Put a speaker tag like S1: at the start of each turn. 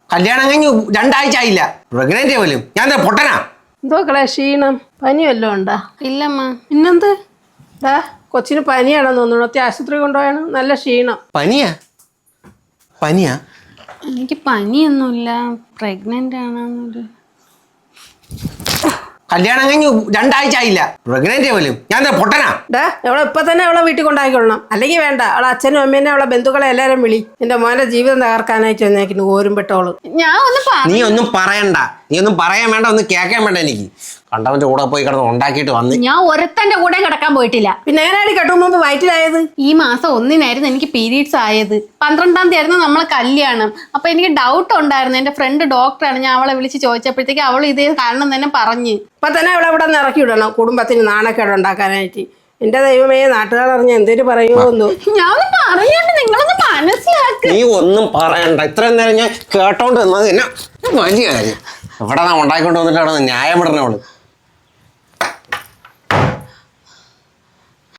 S1: കല്യാണം കഴിഞ്ഞ് 2 ആഴ്ച ആയില്ല, പ്രഗ്നന്റ് പോലും. ഞാൻ പൊട്ടനാ?
S2: എന്തോ ക്ഷീണം പനി വല്ലതും ഉണ്ടാ?
S3: ഇല്ലമ്മ.
S2: പിന്നെന്ത്? കൊച്ചിന് പനിയാണെന്ന് തോന്നുന്നു. ആശുപത്രി കൊണ്ടുപോയാണ്. നല്ല ക്ഷീണം.
S1: പനിയാ?
S3: എനിക്ക് പനിയൊന്നുമില്ല, പ്രഗ്നന്റ് ആണെന്നൊരു.
S1: കല്യാണം കഴിഞ്ഞ് 2 ആഴ്ച ആയില്ല, പ്രഗ്നന്റ് പോലും. ഞാൻ പൊട്ടനാ?
S2: അവളെ ഇപ്പൊ തന്നെ അവളെ വീട്ടിൽ കൊണ്ടാക്കിക്കൊള്ളണം. അല്ലെങ്കിൽ വേണ്ട, അവളെ അച്ഛനും അമ്മേനെ അവളെ ബന്ധുക്കളെ എല്ലാരും വിളി. എന്റെ മോന്റെ ജീവിതം തകർക്കാനായിട്ട് വന്നേക്കുന്നു ഓരുംപെട്ടോള്.
S1: നീ ഒന്നും പറയണ്ട, നീ ഒന്നും പറയാൻ വേണ്ട, ഒന്നും കേൾക്കാൻ വേണ്ട. എനിക്ക് കണ്ടവന്റെ കൂടെ പോയി കിടന്ന് ഉണ്ടാക്കിയിട്ട് വന്ന്.
S3: ഞാൻ ഒരുത്തന്റെ കൂടെ കിടക്കാൻ പോയിട്ടില്ല.
S2: പിന്നെ എങ്ങനെയാണ് കെട്ടും മുമ്പ് വയറ്റിലായത്?
S3: ഈ മാസം 1 എനിക്ക് പീരീഡ്സ് ആയത്. 12-ാം തീയതി ആയിരുന്നു നമ്മളെ കല്യാണം. അപ്പൊ എനിക്ക് ഡൗട്ട് ഉണ്ടായിരുന്നു. എന്റെ ഫ്രണ്ട് ഡോക്ടറാണ്. ഞാൻ അവളെ വിളിച്ച് ചോദിച്ചപ്പോഴത്തേക്ക് അവൾ ഇതേ കാരണം തന്നെ പറഞ്ഞ്.
S2: ഇപ്പൊ തന്നെ അവളെ ഇവിടെ നിന്ന് ഇറക്കി വിടണം, കുടുംബത്തിന് നാണക്കേട് ഉണ്ടാക്കാനായിട്ട്. എന്റെ ദൈവമേ, നാട്ടുകാർ അറിഞ്ഞ എന്തേലും പറയുമോ?
S3: ഞാൻ പറഞ്ഞോണ്ട് നിങ്ങളൊന്ന് മനസ്സിലാക്കി.
S1: നീ ഒന്നും പറയണ്ട. ഇത്രയും നേരം ഞാൻ കേട്ടോണ്ട് വന്നത് വലിയ കാര്യം. ഇവിടെ ഉണ്ടാക്കിക്കൊണ്ട് വന്നിട്ടാണ് ന്യായം വിടണവള്.